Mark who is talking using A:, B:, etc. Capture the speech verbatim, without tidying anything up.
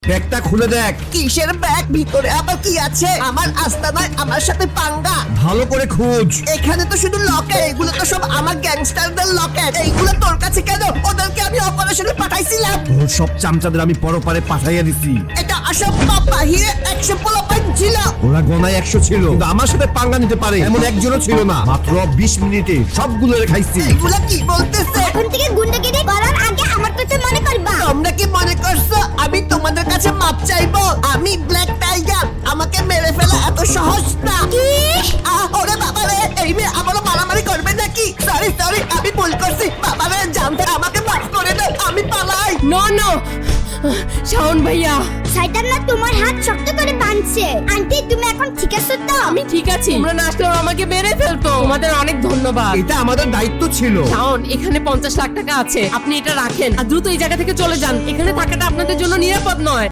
A: ব্যাগটা খুলে দেখ।
B: কিসের ব্যাগ? ভিতরে আবার কি আছে? আমার আস্তানায় আমার সাথে পাঙ্গা।
A: ভালো করে খোঁজ।
B: এখানে তো শুধু লকেট, এগুলো তো সব আমার গ্যাংস্টারদের লকেট। এইগুলো তোর কাছে কেন? ওদেরকে আমি অপারেশনে পাঠাইছিলাম।
A: ওর সব চামচাদের আমি পরপারে পাঠাইয়া দিছি।
B: এটা অসম্ভব। বাহিরে একশো পোলাপাইন ছিল।
A: ওরা গনায় একশো ছিল, কিন্তু আমার সাথে পাঙ্গা নিতে পারে এমন একজনও ছিল না। মাত্র বিশ মিনিটে সবগুলো খাইছি।
B: এগুলো কি বলতেছে?
C: এখন থেকে গুন্ডাগিরি করার আগে আমার কথা মনে করবা।
B: তোমরা কি মনে করছো আমি তোমাদের কাছে মাপ চাইবো? আমি ব্ল্যাক টাইগার, আমাকে মেরে ফেলা এত সহজ না।
C: কি?
B: আহ, ওরে বাবা রে, এই মেয়ে আবারও মারামারি করবে নাকি? সরি সরি, আমি ভুল করছি। বাবা রে, জানতে আমাকে মাফ করে দাও, আমি পালাই।
D: নো নো শাওন ভাইয়া,
C: শয়তান না তোমার হাত শক্ত করে বাঁধছে। আন্টি তুমি এখন ঠিক আছো তো?
D: আমি ঠিক আছি। তোমরা না আসলেও আমাকে মেরে ফেলতো। তোমাদের অনেক ধন্যবাদ।
A: এটা আমাদের দায়িত্ব ছিল।
D: শাওন, এখানে পঞ্চাশ লাখ টাকা আছে, আপনি এটা রাখেন আর দ্রুত এই জায়গা থেকে চলে যান। এখানে থাকাটা আপনাদের জন্য নিরাপদ নয়।